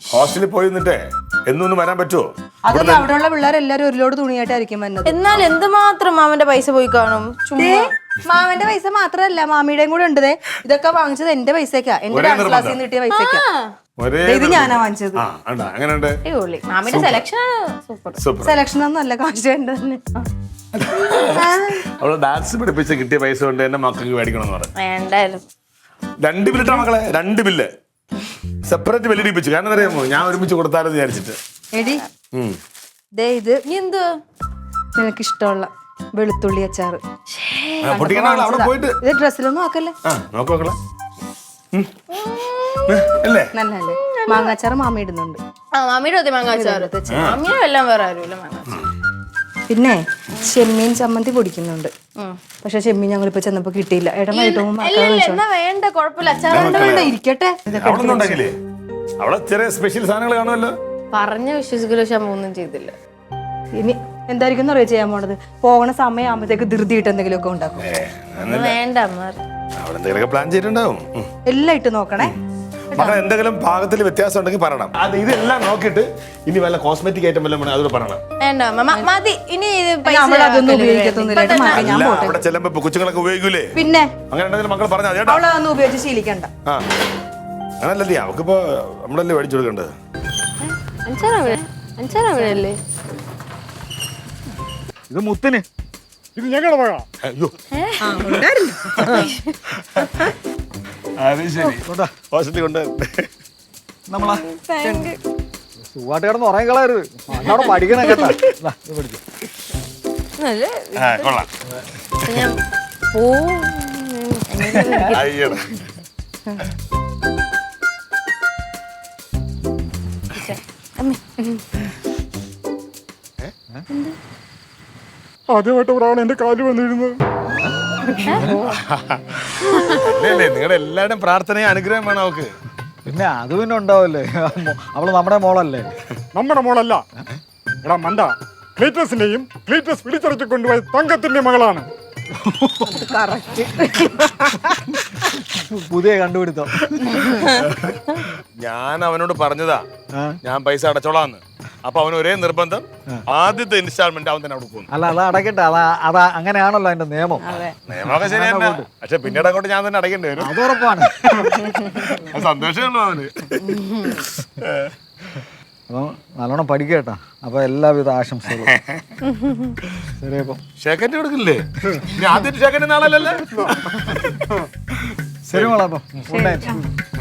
ഹോസ്റ്റലിൽ പോയി നിന്നിട്ടേ എന്നൊന്നും വരാൻ പറ്റുമോ? അതല്ല, അവിടെയുള്ള പിള്ളേരെല്ലാരും ഒരു ലോഡ് തുണിയായിട്ടായിരിക്കും വന്നത്. എന്നാൽ എന്തുമാത്രം മാമന്റെ പൈസ പോയി കാണും. മാമന്റെ പൈസ മാത്രല്ല, മാമിയുടെയും കൂടെ ഉണ്ട്. ഇതൊക്കെ വാങ്ങിച്ചത് എന്റെ പൈസക്കാ, എന്റെ ഡാൻസ് ക്ലാസ്സിൽ നിന്ന് കിട്ടിയ പൈസക്കാ. ഇത് ഞാനാ വാങ്ങിച്ചത്. മാമിയുടെ സെലക്ഷൻ സൂപ്പർ. സെലക്ഷൻ ഒന്നും അല്ല, കാശ് വേണ്ടതന്നെ. അവള് ഡാൻസ് പഠിപ്പിച്ച് കിട്ടിയ പൈസ കൊണ്ട് എന്നെ മക്കൾക്ക് മേടിക്കണം പറഞ്ഞു. വേണ്ടായാലും 2 ബില്ലിട്ടാ മക്കളെ, 2 ബില്ല് സെപ്പറേറ്റ് ബില്ല് ഇടിപ്പിച്ചു. കാരണം അറിയാമോ, ഞാൻ ഒരുമിച്ച് കൊടുത്താലും വിചാരിച്ചിട്ട്. എടി ദേ ഇത് എന്ത് നിനക്ക് ഇഷ്ടമുള്ള വെളുത്തുള്ളി അച്ചാറ്. അവിടെ പോയിട്ട് ഇത് ഡ്രസ്സിലൊന്നും ആക്കല്ലേ. നോക്കോക്കളെ അല്ലേ, നല്ലല്ലേ. മാങ്ങാച്ചാറ് മാമി ഇടുന്നുണ്ട്. മാമിയുടെ ഒത്തി മാങ്ങാച്ചാറ്. മാമിയും എല്ലാം വേറെ ആരുമില്ല മാങ്ങാച്ചാറ്. പിന്നെ ചെമ്മീൻ ചമ്മന്തി പൊടിക്കുന്നുണ്ട്. പക്ഷെ ചെമ്മീൻ ഞങ്ങളിപ്പോ ചെന്നപ്പോ കിട്ടിയില്ല. വേണ്ട കുഴപ്പമില്ല, അച്ചാറ് ഇരിക്കട്ടെ. അവിടെ ചെറിയ സ്പെഷ്യൽ സാധനങ്ങൾ കാണുമല്ലോ. പറഞ്ഞ വിശ്വസിക്കലോ ഒന്നും ചെയ്തില്ല. ഇനി എന്തായിരിക്കും അറിയാം ചെയ്യാൻ പോണത്. പോകണ സമയം ആകുമ്പോഴത്തേക്ക് ധൃതിയിട്ട് എന്തെങ്കിലുമൊക്കെ ഉണ്ടാക്കും. വേണ്ട എന്തെങ്കിലുമൊക്കെ പ്ലാൻ ചെയ്തിട്ടുണ്ടാവും. എല്ലാം ഇട്ട് നോക്കണേ. മക്കളെ എന്തെങ്കിലും ഭാഗത്തിൽ വ്യത്യാസം ഉണ്ടെങ്കിൽ പറയണം. അത് ഇതെല്ലാം നോക്കിയിട്ട് ഇനി വല്ല കോസ്മെറ്റിക് ഐറ്റം വല്ലതും വേണം അതോട് പറയണം. വേണ്ട മതി. ഇനി അതൊന്നും ഉപയോഗിക്കത്തൊന്നുമില്ല. അവിടെ ചെല്ലുമ്പോ കൊച്ചുങ്ങളൊക്കെ ഉപയോഗിക്കൂലേ? പിന്നെ അങ്ങനെ ഉണ്ടെങ്കിൽ മക്കൾ പറഞ്ഞാൽ അവളതൊന്നും ഉപയോഗിച്ച് ശീലിക്കണ്ട. അങ്ങനല്ലേ, അവക്കിപ്പോ നമ്മളല്ലേ മേടിച്ചു കൊടുക്കേണ്ടത്. അഞ്ചാറല്ലേ ഇത് മുത്തിന്, ഇത് ഞങ്ങളുടെ മഴ. അയ്യോ അത് ശരി, ഹോസ്റ്റലിൽ കൊണ്ട് നമ്മളാ സുഖമായിട്ട് കിടന്ന് ഉറങ്ങി കളയരുത്. അവിടെ പഠിക്കണം കേട്ടാ. ഇത് പഠിച്ചു കൊള്ളാം. അയ്യടാ ആദ്യമായിട്ട് ഒരാൾ എന്റെ കാല് വന്നിരുന്നത്. നിങ്ങളുടെ എല്ലാവരുടെയും പ്രാർത്ഥനയും അനുഗ്രഹം വേണം അവക്ക്. പിന്നെ അത് പിന്നെ ഉണ്ടാവല്ലേ, അവള് നമ്മുടെ മോളല്ലേ. നമ്മുടെ മോളല്ല എടാ മണ്ട, ക്ലീറ്റസിന്റെയും ക്ലീറ്റസ് പിടിച്ചടച്ചു കൊണ്ടുപോയ തങ്കത്തിന്റെ മകളാണ്. പുതിയ കണ്ടുപിടുത്തം. ഞാൻ അവനോട് പറഞ്ഞതാ ഞാൻ പൈസ അടച്ചോളാന്ന്. അപ്പൊ അവന് ഒരേ നിർബന്ധം, ആദ്യത്തെ ഇൻസ്റ്റാൾമെന്റ് അവൻ തന്നെ അവിടെ പോകുന്നു. അല്ല അത് അടയ്ക്കട്ടെ, അതാ അങ്ങനെയാണല്ലോ അതിന്റെ നിയമം. നിയമമൊക്കെ ശരി തന്നെ, പക്ഷെ പിന്നീട് അങ്ങോട്ട് ഞാൻ തന്നെ അടയ്ക്കേണ്ടി വരും. അത് ഉറപ്പാണ്. സന്തോഷമുള്ളൂ അവന്. അപ്പൊ നല്ലോണം പഠിക്കട്ടാ. അപ്പൊ എല്ലാവിധ ആശംസകളും. ശരി, അപ്പൊ ഷേക്കറ്റ് കൊടുക്കില്ലേ? ആദ്യത്തെ ഷേക്കറ്റ് നാളല്ലല്ലേ? ശരി മോളെ, അപ്പൊ ഗുഡ് നൈറ്റ്.